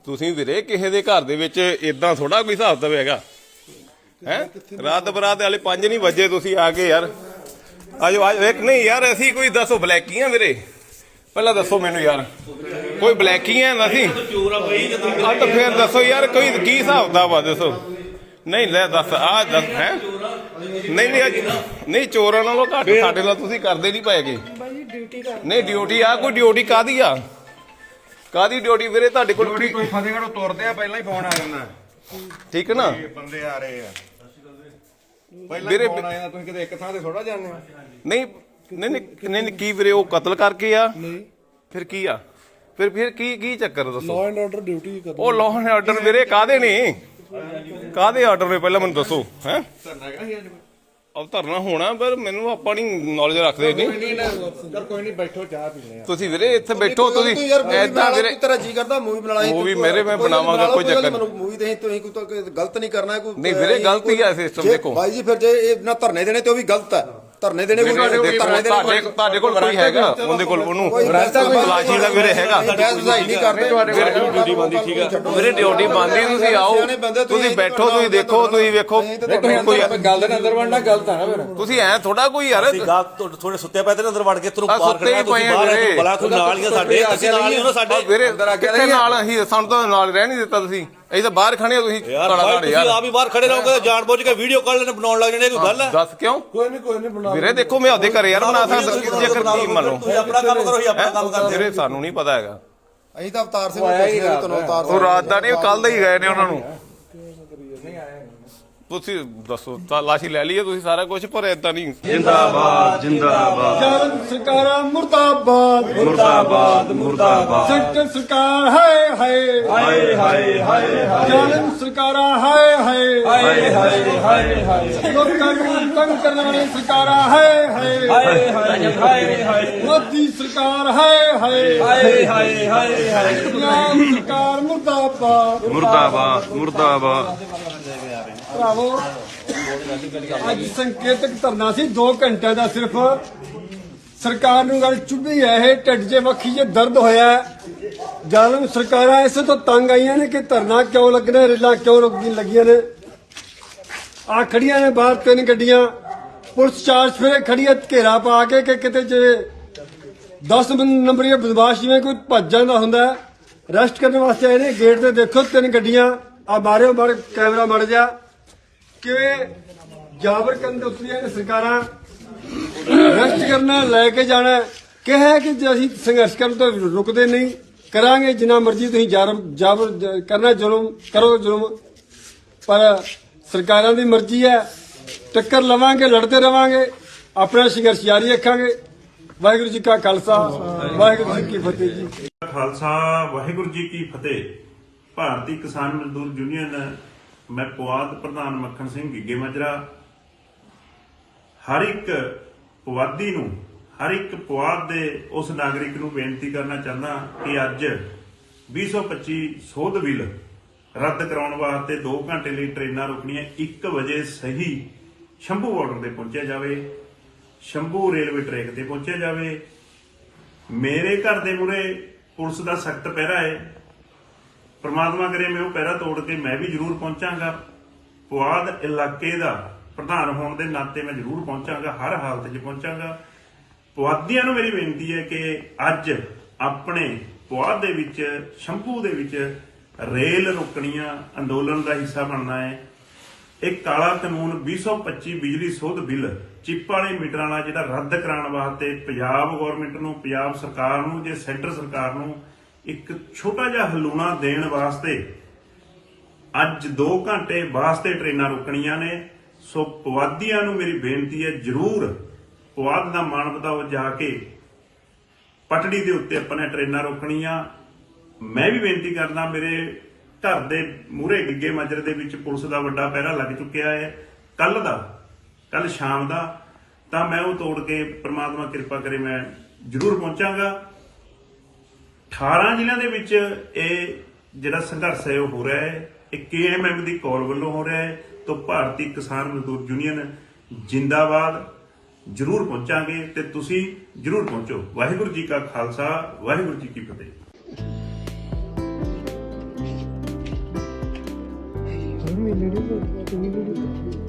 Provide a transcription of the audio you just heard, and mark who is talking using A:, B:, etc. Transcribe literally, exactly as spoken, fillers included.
A: ਤੁਸੀਂ ਵੀਰੇ ਕਿਸੇ ਦੇ ਘਰ ਦੇ ਵਿੱਚ ਇਦਾਂ ਥੋੜਾ ਕੋਈ ਹਿਸਾਬ ਤਾਂ ਹੈਗਾ ਹੈ। ਰਾਤ ਬਰਾਤ ਵਾਲੇ ਪੰਜ ਨਹੀਂ ਵਜੇ ਤੁਸੀਂ ਆ ਗਏ ਯਾਰ। ਆਜੋ ਆਜ ਵੇਖ ਨਹੀਂ ਯਾਰ ਅਸੀਂ ਕੋਈ ਦੱਸੋ ਬਲੈਕੀਆਂ ਵੀਰੇ ਪਹਿਲਾਂ ਦੱਸੋ ਮੈਨੂੰ ਯਾਰ ਕੋਈ ਬਲੈਕੀਆਂ ਅਸੀਂ ਆ ਤਾਂ ਫੇਰ ਦੱਸੋ ਯਾਰ ਕੋਈ ਕੀ ਹਿਸਾਬ ਦਾ ਵਾ ਦੱਸੋ। ਨਹੀਂ ਲੈ ਦੱਸ ਆ ਦੱਸ ਹੈ ਨਹੀਂ ਨਹੀਂ ਨਹੀਂ ਚੋਰਾਂ ਨਾਲੋਂ ਘੱਟ ਸਾਡੇ ਨਾਲ ਤੁਸੀਂ ਕਰਦੇ ਨਹੀਂ ਪਾਏਗੇ ਨਹੀਂ ਡਿਊਟੀ ਆ ਕੋਈ ਡਿਊਟੀ ਕਾਹਦੀ ਆ ਕਾਹਦੀ ਡਿਊਟੀ ਵੀਰੇ ਤੁਹਾਡੇ ਕੋਲ
B: ਕੋਈ ਫਤਿਹਗੜ੍ਹੋਂ ਤੁਰਦੇ ਆ ਪਹਿਲਾਂ ਹੀ ਫੋਨ ਆ ਜਾਂਦਾ
A: ਠੀਕ ਹੈ ਨਾ
B: ਬੰਦੇ ਆ ਰਹੇ ਆ ਵੀਰੇ ਤੁਸੀਂ ਕਿਤੇ ਇੱਕ ਥਾਂ ਤੇ ਥੋੜਾ ਜਾਂਦੇ ਹੋ
A: ਨਹੀਂ ਨਹੀਂ ਨਹੀਂ ਕੀ ਵੀਰੇ ਉਹ ਕਤਲ ਕਰਕੇ ਆ ਫਿਰ ਕੀ ਆ ਫਿਰ ਫਿਰ ਕੀ ਕੀ ਚੱਕਰ ਦੱਸੋ
C: ਲਾਅ ਐਂਡ ਆਰਡਰ ਡਿਊਟੀ ਕਰ
A: ਉਹ ਲਾਅ ਐਂਡ ਆਰਡਰ ਵੀਰੇ ਕਾਹਦੇ ਨੇ ਕਾਹਦੇ ਆਰਡਰ ਨੇ ਪਹਿਲਾਂ ਮੈਨੂੰ ਦੱਸੋ ਹੈ ਅਬ ਧਰਨਾ ਹੋਣਾ ਪਰ ਮੈਨੂੰ ਆਪਾਂ ਨਹੀਂ ਨੌਲੇਜ ਰੱਖਦੇ ਨਹੀਂ
B: ਚਲ ਕੋਈ ਨਹੀਂ ਬੈਠੋ ਚਾਹ ਪੀਣੇ ਆ
A: ਤੁਸੀਂ ਵੀਰੇ ਇੱਥੇ ਬੈਠੋ ਤੁਸੀਂ ਐਦਾਂ ਵੀਰੇ
D: ਤੇਰਾ ਜੀ ਕਰਦਾ ਮੂਵੀ ਬਣਾ ਲਈ
A: ਮੂਵੀ ਮੇਰੇ ਮੈਂ ਬਣਾਵਾਂਗਾ ਕੋਈ ਚੱਕਰ ਨਹੀਂ
D: ਮੂਵੀ ਦੇ ਤੁਸੀਂ ਕੋਈ ਗਲਤ ਨਹੀਂ ਕਰਨਾ ਕੋਈ
A: ਨਹੀਂ ਵੀਰੇ ਗਲਤੀ ਆ ਸਿਸਟਮ ਦੇਖੋ
D: ਭਾਈ ਜੀ ਫਿਰ ਜੇ ਇਹ ਨਾ ਧਰਨੇ ਦੇਣੇ ਤੇ ਉਹ ਵੀ ਗਲਤ ਹੈ ਧਰਨੇ ਦੇਣੇ ਕੋਈ ਧਰਨੇ
A: ਤੁਹਾਡੇ ਤੁਹਾਡੇ ਕੋਲ ਕੋਈ ਹੈਗਾ ਉਹਦੇ ਕੋਲ ਉਹਨੂੰ ਤਲਾਸ਼ੀ ਦਾ ਵੀਰੇ ਹੈਗਾ
D: ਨਹੀਂ ਕਰਦੇ ਤੁਹਾਡੇ ਕੋਲ ਡਿਊਟੀ ਬੰਦੀ ਠੀਕ ਹੈ
A: ਵੀਰੇ ਡਿਊਟੀ ਬੰਦੀ ਤੁਸੀਂ ਆਓ ਤੁਸੀਂ ਬੈਠੋ ਤੁਸੀਂ ਦੇਖੋ ਤੁਸੀਂ ਵੇਖੋ ਕੋਈ
B: ਗੱਲ ਦੇ ਅੰਦਰ ਵੜਨਾ ਗਲਤ ਆ ਨਾ ਫਿਰ
A: ਤੁਸੀਂ ਐ ਥੋੜਾ ਕੋਈ ਯਾਰ
E: ਥੋੜੇ ਸੁੱਤੇ ਪਏ ਤੇ ਅੰਦਰ ਵੜ ਕੇ ਤੁਹਾਨੂੰ ਬਾਹਰ ਕੱਢਣਾ ਤੁਸੀਂ ਬਾਹਰ ਬਲਾ ਕੋਈ ਨਾਲ ਹੀ ਸਾਡੇ ਅਸੀਂ ਨਾਲ ਹੀ ਉਹਨਾਂ ਸਾਡੇ
A: ਵੀਰੇ ਕਿੱਥੇ ਨਾਲ ਅਸੀਂ ਸਾਨੂੰ ਤਾਂ ਨਾਲ ਰਹਿ ਨਹੀਂ ਦਿੱਤਾ ਤੁਸੀਂ ਅਸੀਂ ਤਾਂ ਬਾਹਰ ਖੜੇ ਤੁਸੀਂ
E: ਯਾਰ ਤੁਸੀਂ ਆਪ ਹੀ ਬਾਹਰ ਖੜੇ ਰਹੋਗੇ ਜਾਣ ਬੁੱਝ ਕੇ ਵੀਡੀਓ ਕਾਲ ਲੈਣ ਬਣਾਉਣ ਲੱਗ ਜਾਣੇ ਕੋਈ ਗੱਲ ਹੈ
A: ਦੱਸ ਕਿਉਂ
C: ਕੋਈ ਨਹੀਂ ਕੋਈ ਨਹੀਂ ਬਣਾ
A: ਵੀਰੇ ਦੇਖੋ ਮੈਂ ਆਪਦੇ ਘਰੇ ਯਾਰ ਬਣਾ ਸਕਦਾ ਜੇਕਰ ਕੀ ਮੰਨ ਲਓ
E: ਤੁਸੀਂ ਆਪਣਾ ਕੰਮ ਕਰੋ ਅਸੀਂ ਆਪਣਾ ਕੰਮ ਕਰਦੇ
A: ਵੀਰੇ ਸਾਨੂੰ ਨਹੀਂ ਪਤਾ ਹੈਗਾ
D: ਅਸੀਂ ਤਾਂ ਅਵਤਾਰ ਸਿੰਘ ਨੂੰ ਪੁੱਛਦੇ ਹਾਂ ਤੁਹਾਨੂੰ ਅਵਤਾਰ
A: ਉਹ ਰਾਤ ਦਾ ਨਹੀਂ ਕੱਲ ਦਾ ਹੀ ਗਏ ਨੇ ਉਹਨਾਂ ਨੂੰ ਤੁਸੀਂ ਦੱਸੋ ਤਲਾਸ਼ੀ ਲੈ ਲਈਏ ਤੁਸੀਂ ਸਾਰਾ ਕੁਝ ਪਰ ਏਦਾਂ ਨਹੀਂ
F: ਜਿੰਦਾਬਾਦ ਜਿੰਦਾਬਾਦ
C: ਜਾਲਮ ਸਰਕਾਰਾਂ ਮੁਰਦਾਬਾਦ
F: ਮੁਰਦਾਬਾਦ ਮੁਰਦਾਬਾਦ
C: ਸੈਂਟਰ ਸਰਕਾਰ ਹਾਏ ਹਾਏ
F: ਹਾਏ ਹਾਏ ਹਾਏ ਹਾਏ
C: ਜਾਲਮ ਸਰਕਾਰਾਂ ਹਾਏ ਹਾਏ
F: ਹਾਏ ਹਾਏ ਹਾਏ ਹਾਏ
C: ਲੋਕਾਂ ਨੂੰ ਤੰਗ ਕਰਨ ਵਾਲੀ ਸਰਕਾਰਾਂ ਹਾਏ ਹਾਏ
F: ਹਾਏ ਹਾਏ ਹਾਏ ਹਾਏ
C: ਮੋਦੀ ਸਰਕਾਰ ਹਾਏ ਹਾਏ
F: ਹਾਏ ਹਾਏ ਹਾਏ ਹਾਏ
C: ਪੰਜਾਬ ਸਰਕਾਰ ਮੁਰਦਾਬਾਦ
F: ਮੁਰਦਾਬਾਦ ਮੁਰਦਾਬਾਦ
C: ਭਰਾਵੋ ਅੱਜ ਸੰਕੇਤਕ ਧਰਨਾ ਸੀ ਦੋ ਘੰਟੇ ਦਾ ਸਿਰਫ ਸਰਕਾਰ ਨੂੰ ਗੱਲ ਚੁੱਭੀ ਹੈ ਇਹ ਢਿੱਡ 'ਚ ਵੱਖੀ 'ਚ ਦਰਦ ਹੋਇਆ ਜ਼ਾਲਮ ਸਰਕਾਰਾਂ ਇਸੇ ਤੋਂ ਤੰਗ ਆਈਆਂ ਨੇ ਕਿ ਧਰਨਾ ਕਿਉਂ ਲੱਗਣਾ ਰੇਲਾਂ ਕਿਉਂ ਰੁਕਦੀਆਂ ਲੱਗੀਆਂ ਨੇ ਆ ਖੜੀਆਂ ਨੇ ਬਾਹਰ ਤਿੰਨ ਗੱਡੀਆਂ ਪੁਲਿਸ ਚਾਰ ਫੇਰੇ ਖੜੀ ਹੈ ਘੇਰਾ ਪਾ ਕੇ ਕਿ ਕਿਤੇ ਜੇ ਦਸ ਨੰਬਰੀਆ ਬਦਮਾਸ਼ ਜਿਵੇਂ ਕੋਈ ਭੱਜ ਜਾਂਦਾ ਹੁੰਦਾ ਰੈਸਟ ਕਰਨ ਵਾਸਤੇ ਆਏ ਨੇ ਗੇਟ ਤੇ ਦੇਖੋ ਤਿੰਨ ਗੱਡੀਆਂ ਆ ਮਾਰਿਓ ਮਾਰ ਕੈਮਰਾ ਮੜ ਜਾ ਕਿਵੇਂ ਜਾਬਰ ਕਰਨ ਦੇ ਉਤਰੀਆਂ ਨੇ ਸਰਕਾਰਾਂ ਰੈਸਟ ਕਰਨਾ ਲੈ ਕੇ ਜਾਣਾ ਕਿਹਾ ਕਿ ਜੇ ਅਸੀਂ ਸੰਘਰਸ਼ ਕਰਨ ਤੋਂ ਰੁਕਦੇ ਨਹੀਂ ਕਰਾਂਗੇ ਜਿੰਨਾ ਮਰਜ਼ੀ ਤੁਸੀਂ ਜਾਬਰ ਕਰਨਾ ਜ਼ੁਲਮ ਕਰੋ ਜ਼ੁਲਮ ਪਰ ਸਰਕਾਰਾਂ ਦੀ ਮਰਜ਼ੀ ਹੈ ਟੱਕਰ ਲਵਾਂਗੇ ਲੜਦੇ ਰਵਾਂਗੇ ਆਪਣਾ ਸੰਘਰਸ਼ ਜਾਰੀ ਰੱਖਾਂਗੇ ਵਾਹਿਗੁਰੂ ਜੀ ਕਾ ਖਾਲਸਾ ਵਾਹਿਗੁਰੂ ਜੀ ਕੀ ਫਤਿਹ ਜੀ
G: ਖਾਲਸਾ ਵਾਹਿਗੁਰੂ ਜੀ ਕੀ ਫਤਿਹ। ਭਾਰਤੀ ਕਿਸਾਨ ਮਜ਼ਦੂਰ ਯੂਨੀਅਨ ਮੈਂ ਪੁਆਧ ਪ੍ਰਧਾਨ ਮੱਖਣ ਸਿੰਘ ਗਿੱਗੇ ਮਾਜਰਾ ਹਰ ਇੱਕ ਪੁਆਧੀ ਨੂੰ ਹਰ ਇੱਕ ਪੁਆਧ ਦੇ ਉਸ ਨਾਗਰਿਕ ਨੂੰ ਬੇਨਤੀ ਕਰਨਾ ਚਾਹੁੰਦਾ ਕਿ ਅੱਜ ਵੀਹ ਸੌ ਪੱਚੀ ਸੋਧ ਬਿੱਲ ਰੱਦ ਕਰਾਉਣ ਵਾਸਤੇ ਦੋ ਘੰਟੇ ਲਈ ਟ੍ਰੇਨਾਂ ਰੁਕਣੀਆਂ ਇੱਕ ਵਜੇ ਸਹੀ ਸ਼ੰਭੂ ਬਾਰਡਰ ਤੇ ਪਹੁੰਚਿਆ ਜਾਵੇ ਸ਼ੰਭੂ ਰੇਲਵੇ ਟਰੈਕ ਤੇ ਪਹੁੰਚਿਆ ਜਾਵੇ। ਮੇਰੇ ਘਰ ਦੇ ਮੂਹਰੇ ਪੁਲਿਸ ਦਾ ਸਖਤ ਪਹਿਰਾ ਹੈ ਪਰਮਾਤਮਾ ਕਰੇ ਮੈਂ ਉਹ ਪਹਿਰਾ ਤੋੜ ਕੇ ਮੈਂ ਵੀ ਜ਼ਰੂਰ ਪਹੁੰਚਾਂਗਾ। ਪੁਆਧ ਇਲਾਕੇ ਦਾ ਪ੍ਰਧਾਨ ਹੋਣ ਦੇ ਨਾਤੇ ਮੈਂ ਜ਼ਰੂਰ ਪਹੁੰਚਾਂਗਾ ਹਰ ਹਾਲਤ 'ਚ ਪਹੁੰਚਾਂਗਾ। ਪੁਆਧੀਆਂ ਨੂੰ ਮੇਰੀ ਬੇਨਤੀ ਹੈ ਕਿ ਅੱਜ ਆਪਣੇ ਪੁਆਧ ਦੇ ਵਿੱਚ ਸ਼ੰਭੂ ਦੇ ਵਿੱਚ ਰੇਲ ਰੁਕਣੀਆਂ ਅੰਦੋਲਨ ਦਾ ਹਿੱਸਾ ਬਣਨਾ ਹੈ। ਇਹ ਕਾਲਾ ਕਾਨੂੰਨ ਵੀਹ ਸੌ ਪੱਚੀ ਬਿਜਲੀ ਸੋਧ ਬਿੱਲ ਚਿੱਪ ਵਾਲੇ ਮੀਟਰਾਂ ਵਾਲਾ ਜਿਹੜਾ ਰੱਦ ਕਰਾਉਣ ਵਾਸਤੇ ਪੰਜਾਬ ਗੌਰਮੈਂਟ ਨੂੰ ਪੰਜਾਬ ਸਰਕਾਰ ਨੂੰ ਜੇ ਸੈਂਟਰ ਸਰਕਾਰ ਨੂੰ ਇੱਕ ਛੋਟਾ ਜਿਹਾ ਹਲੂਣਾ ਦੇਣ ਵਾਸਤੇ ਅੱਜ ਦੋ ਘੰਟੇ ਵਾਸਤੇ ਟ੍ਰੇਨਾਂ ਰੁਕਣੀਆਂ ਨੇ। ਸੋ ਪੁਆਧੀਆਂ ਨੂੰ ਮੇਰੀ ਬੇਨਤੀ ਹੈ ਜ਼ਰੂਰ ਪੁਆਧ ਦਾ ਮਾਣ ਵਧਾਓ ਜਾ ਕੇ ਪਟੜੀ ਦੇ ਉੱਤੇ ਆਪਾਂ ਨੇ ਟ੍ਰੇਨਾਂ ਰੋਕਣੀਆਂ। ਮੈਂ ਵੀ ਬੇਨਤੀ ਕਰਦਾ ਮੇਰੇ ਘਰ ਦੇ ਮੂਹਰੇ ਗਿੱਗੇ ਮਾਜਰੇ ਦੇ ਵਿੱਚ ਪੁਲਿਸ ਦਾ ਵੱਡਾ ਪਹਿਰਾ ਲੱਗ ਚੁੱਕਿਆ ਹੈ ਕੱਲ ਦਾ ਕੱਲ ਸ਼ਾਮ ਦਾ ਤਾਂ ਮੈਂ ਉਹ ਤੋੜ ਕੇ ਪ੍ਰਮਾਤਮਾ ਕਿਰਪਾ ਕਰੇ ਮੈਂ ਜ਼ਰੂਰ ਪਹੁੰਚਾਂਗਾ। ਅਠਾਰਾਂ ਜ਼ਿਲ੍ਹਿਆਂ ਦੇ ਵਿੱਚ ਇਹ ਜਿਹੜਾ ਸੰਘਰਸ਼ ਹੈ ਉਹ ਹੋ ਰਿਹਾ ਹੈ ਇਹ ਕੇ ਐਮ ਐਮ ਦੀ ਕਾਲ ਵੱਲੋਂ ਹੋ ਰਿਹਾ ਹੈ। ਤਾਂ ਭਾਰਤੀ ਕਿਸਾਨ ਮਜ਼ਦੂਰ ਯੂਨੀਅਨ ਜਿੰਦਾਬਾਦ ਜ਼ਰੂਰ ਪਹੁੰਚਾਂਗੇ ਤੇ ਤੁਸੀਂ ਜ਼ਰੂਰ ਪਹੁੰਚੋ। ਵਾਹਿਗੁਰੂ ਜੀ ਕਾ ਖਾਲਸਾ ਵਾਹਿਗੁਰੂ ਜੀ ਕੀ ਫਤਿਹ।
H: ਮੈਨੂੰ ਨਹੀਂ ਪਤਾ, ਤੁਸੀਂ ਵੀਡੀਓ